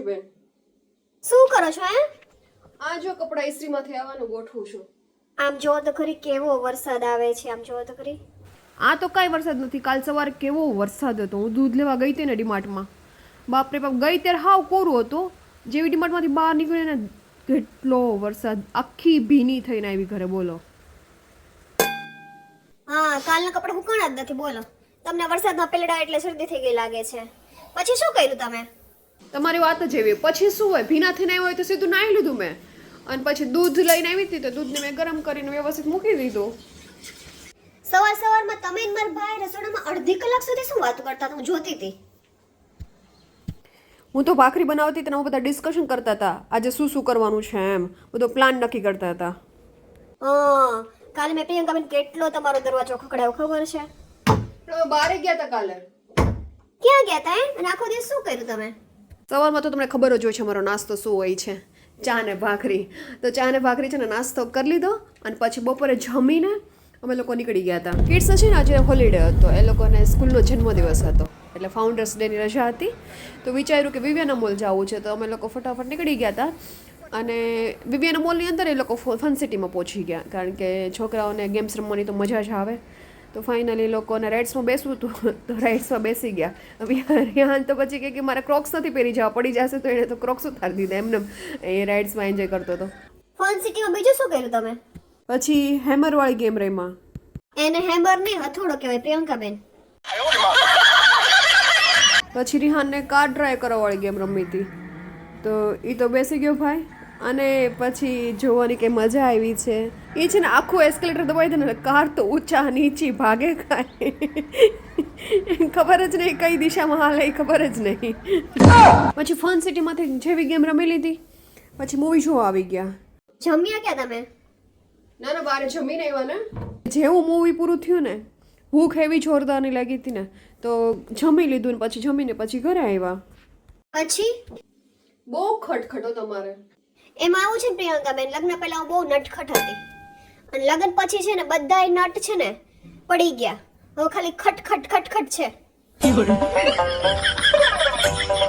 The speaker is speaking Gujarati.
છું બેન. શું કરો છો હે? આ જો કપડા ઇસ્ત્રીમાંથી આવવાનું ગોઠવું છું. આમ જો તો ખરી કેવો વરસાદ આવે છે. આમ જો તો ખરી. આ તો કાંઈ વરસાદ નથી. કાલ સવારે કેવો વરસાદ હતો. હું દૂધ લેવા ગઈ હતી ને ડીમાર્ટમાં. બાપરે બાપ, ગઈ ત્યારે હાવ કોરું હતું. જેવી ડીમાર્ટમાંથી બહાર નીકળી ને કેટલો વરસાદ, આખી ભીની થઈને આવી ઘરે. બોલો. હા, કાલના કપડા હુકાણા જ નથી. બોલો, તમને વરસાદમાં પલડા એટલે શરદી થઈ ગઈ લાગે છે. પછી શું કર્યું તમે? તમારી વાત જ એવી. પછી શું હોય, ભીના થઈને આવ્યો હોય તો સીધું નાહી લીધું મેં. અને પછી દૂધ લઈને આવી હતી તો દૂધને મેં ગરમ કરીને વ્યવસ્થિત મૂકી દીધું. સવારમાં તમે ને મારા ભાઈ રસોડામાં અડધી કલાક સુધી શું વાતો કરતા હતા? હું જોતી હતી. હું તો ભાખરી બનાવતી તેના બધા ડિસ્કશન કરતા હતા. આજે શું શું કરવાનું છે એમ બધો પ્લાન નક્કી કરતા હતા. હા, કાલે મેં પ્રિયંકાબેન કેટલો તમારો દરવાજો ખખડાયો ખબર છે? બારે ગયા હતા કાલે. ક્યાં ગયા હતા અને આખો દિવસ શું કર્યું તમે? સવારમાં તો તમને ખબર જ હોય છે મારો નાસ્તો શું હોય છે. ચા ને ભાખરી. તો ચા ને ભાખરી છે ને નાસ્તો કરી લીધો અને પછી બપોરે જમીને અમે લોકો નીકળી ગયા હતા. કિડ્સ છે ને આજે હોલિડે હતો, એ લોકોને સ્કૂલનો જન્મદિવસ હતો એટલે ફાઉન્ડર્સ ડેની રજા હતી. તો વિચાર્યું કે વિવિયાના મોલ જવું છે તો અમે લોકો ફટાફટ નીકળી ગયા હતા. અને વિવિયાના મોલની અંદર એ લોકો ફન સિટીમાં પહોંચી ગયા કારણ કે છોકરાઓને ગેમ્સ રમવાની તો મજા જ આવે. તો ફાઇનલી લોકોને રાઇડ્સમાં બેસવું હતું તો રાઇડ્સમાં બેસી ગયા. રિહાન તો પછી કે મારે ક્રોક્સ નથી પહેરી જવા, પડી જશે તો એને તો ક્રોક્સ ઉતારી દીધા. એમને એ રાઇડ્સમાં એન્જોય કરતો હતો. ફન સિટીમાં બીજું શું કર્યું તમે? પછી હેમરવાળી ગેમ રમ્યા. એને હેમર નહીં, હથોડો કહેવાય પ્રિયંકાબેન. પછી રિહાનને કાર ડ્રાઈવ કરવાવાળી ગેમ રમી હતી તો એ તો બેસી ગયો ભાઈ. અને પછી જોવાની કે મજા આવી છે. એ છે ને આખું એસ્કેલેટર દબાવી દે ને કાર તો ઊંચા નીચી ભાગે કાંઈ ખબર જ નહીં કઈ દિશામાં હાલે, ખબર જ નહીં. પછી ફન સિટીમાંથી જેવી ગેમ રમી લીધી પછી મૂવી જોવા આવી ગયા. જમ્યા ક્યાં તમે? ના ના, બારે જમીને આવ્યા ને. જેવું મૂવી પૂરું થયું ને ભૂખ એવી જોરદારની લાગી હતી ને તો જમી લીધું ને પછી જમીને પછી ઘરે આવ્યા. પછી બહુ ખટખટો તમારે. એમાં આવું છે ને પ્રિયંકાબેન, લગ્ન પહેલા હું બહુ નટખટ હતી અને લગ્ન પછી છે ને બધાય નટ છે ને પડી ગયા. હવે ખાલી ખટ ખટ ખટ ખટ છે.